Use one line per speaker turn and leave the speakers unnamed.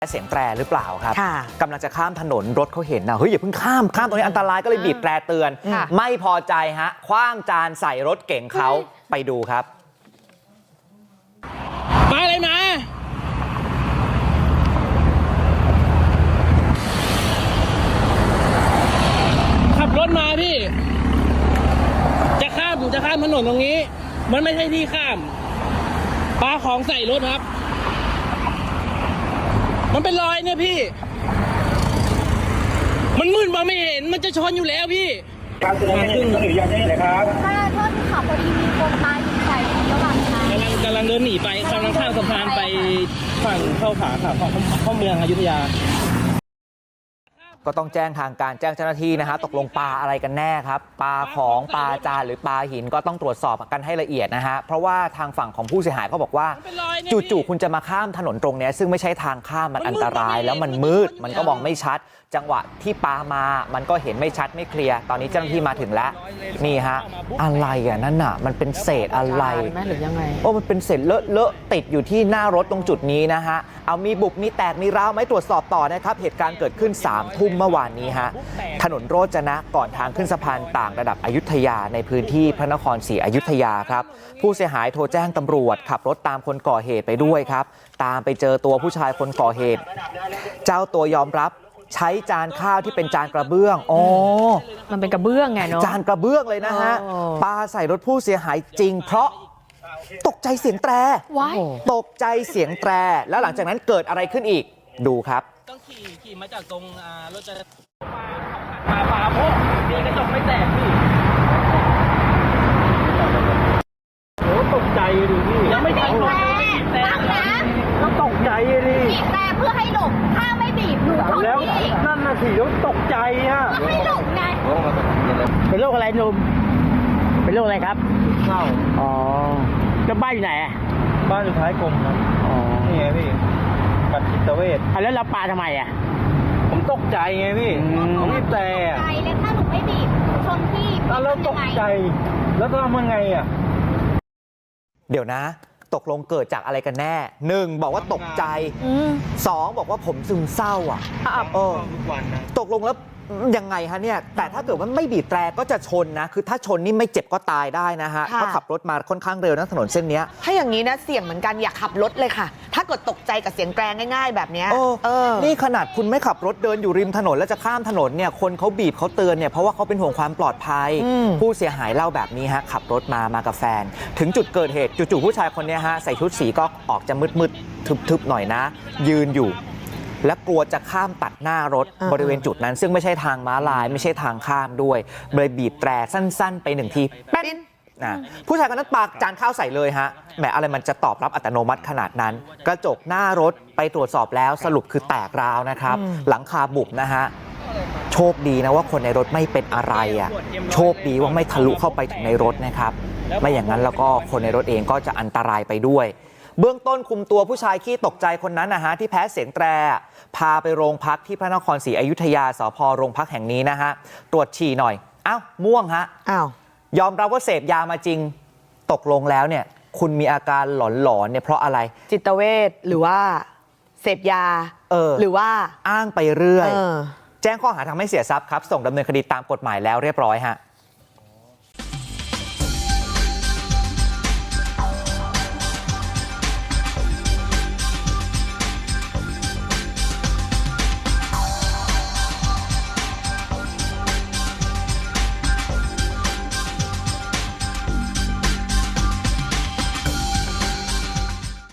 เสียงแตรหรือเปล่าครับ
ค่ะ
กำลังจะข้ามถนนรถเขาเห็นนะเฮ้ยอย่าเพิ่งข้ามตรงนี้อันตรายก็เลยบีบแตรเตือน ไม่พอใจฮะคว้างจานใส่รถเก๋งเขาไปดูครับ
มาอะไรมาขับรถมาพี่จะข้ามถนนตรงนี้มันไม่ใช่ที่ข้ามปาของใส่รถครับมันเป็นรอยเนี่ยพี่มันมืดมาไม่เห็นมันจะชนอยู่แล้วพี่
การตัวนี้ขึ้นหรือยังนี่เลยครับ
ถ้าโทษที่ขับพอดีมีคนตายอยู่ใส่ระหว่างทาง
กำลังเดินหนีไปกำลังข้ามสะพานไปฝั่งเข้าขาค่ะเข้าเมืองอยุธยา
ก็ต้องแจ้งทางการแจ้งเจ้าหน้าที่นะฮะตกลงปลาอะไรกันแน่ครับปลาของปลาจานหรือปลาหินก็ต้องตรวจสอบกันให้ละเอียดนะฮะเพราะว่าทางฝั่งของผู้เสียหายเขาบอกว่าจู่ๆคุณจะมาข้ามถนนตรงนี้ซึ่งไม่ใช่ทางข้ามมันอันตรายแล้วมันมืดมันก็มองไม่ชัดจังหวะที่ปลามามันก็เห็นไม่ชัดไม่เคลียร์ตอนนี้เจ้าหน้าที่มาถึงแล้วนี่ฮะอะไรอ่ะนั่นน่ะมันเป็นเศษอะไร
หรือยังไง
มันเป็นเศษเลอะติดอยู่ที่หน้ารถตรงจุดนี้นะฮะเอามีบุบมีแตกมีร้าวไหมตรวจสอบต่อนะครับเหตุการณ์เกิดขึ้น3 ทุ่มเมื่อวานนี้ฮะถนนโรจนะก่อนทางขึ้นสะพานต่างระดับอยุธยาในพื้นที่พระนครศรีอยุธยาครับผู้เสียหายโทรแจ้งตำรวจขับรถตามคนก่อเหตุไปด้วยครับตามไปเจอตัวผู้ชายคนก่อเหตุเจ้าตัวยอมรับใช้จานข้าวที่เป็นจานกระเบื้อง
มันเป็นกระเบื้องไงเนาะ
จานกระเบื้องเลยนะฮะปาใส่รถผู้เสียหายจริงเพราะตกใจเสียงแตรตกใจเสียงแตรแล้วหลังจากนั้นเกิดอะไรขึ้นอีกดูครับ
ต้องขี่มาจากตรงรถจะปาโม่ดีกระจกไม่แตกพี่โอ้ตกใจดิพี่ยังไม่ทัน
แต่
ก็ตกใจดิ
บีบแต่เพื่อให้หลบถ้าไม่บีบหนูชน
แล้วนั่นน่ะสิแล้วตกใจฮะ
ให้หลบไง
เป็นโรคอะไรหนุ่มเป็นโรคอะไรครับ
เศร้า
อ๋อจะบ้านอยู่ไหน
บ้านอยู่ท้ายกรมครับ
อ๋อ
นี่ไงพี่ปัดจิตเวช
แล้วเราปาทำไม
ผมตกใจไงพี่ผมบีบแต่
ใจแล้วถ้าหนูไม่บีบชนพี่
แล้วตกใจแล้วทำยังไง
เดี๋ยวนะตกลงเกิดจากอะไรกันแน่1บอกว่าตกใจ2บอกว่าผมซึมเศร้าตกลงแล้วยังไงฮะเนี่ยแต่ถ้าเกิดว่าไม่บีบแตรก็จะชนนะคือถ้าชนนี่ไม่เจ็บก็ตายได้นะฮะเพราะขับรถมาค่อนข้างเร็วนะถนนเส้นนี้
ถ้าอย่างนี้นะเสี่ยงเหมือนกันอย่าขับรถเลยค่ะถ้าเกิดตกใจกับเสียงแตรง่ายๆแบบนี้
นี่ขนาดคุณไม่ขับรถเดินอยู่ริมถนนแล้วจะข้ามถนนเนี่ยคนเขาบีบเขาเตือนเนี่ยเพราะว่าเขาเป็นห่วงความปลอดภัยผู้เสียหายเล่าแบบนี้ฮะขับรถมากับแฟนถึงจุดเกิดเหตุจู่ๆผู้ชายคนนี้ฮะใส่ชุดสีก็ออกจะมืดๆทึบๆหน่อยนะยืนอยู่และกลัวจะข้ามตัดหน้ารถบริเวณจุดนั้นซึ่งไม่ใช่ทางม้าลายไม่ใช่ทางข้ามด้วยเลยบีบแตรสั้นๆไป1 ทีแป๊ดผู้ชายคนนั้นปาจานข้าวใส่เลยฮะแหมอะไรมันจะตอบรับอัตโนมัติขนาดนั้นกระจกหน้ารถไปตรวจสอบแล้วสรุปคือแตกร้าวนะครับหลังคาบุบนะฮะโชคดีนะว่าคนในรถไม่เป็นอะไรโชคดีว่าไม่ทะลุเข้าไปถึงในรถนะครับไม่อย่างนั้นแล้วก็คนในรถเองก็จะอันตรายไปด้วยเบื้องต้นคุมตัวผู้ชายขี้ตกใจคนนั้นนะฮะที่แพ้เสียงแตรพาไปโรงพักที่พระนครศรีอยุธยาสภ.โรงพักแห่งนี้นะฮะตรวจฉี่หน่อยอ้าวม่วงฮะยอมรับว่าเสพยามาจริงตกลงแล้วเนี่ยคุณมีอาการหลอนๆเนี่ยเพราะอะไร
จิตเวชหรือว่าเสพยาหรือว่า
อ้างไปเรื่อยแจ้งข้อหาทำให้เสียทรัพย์ครับส่งดำเนินคดีตามกฎหมายแล้วเรียบร้อยฮะ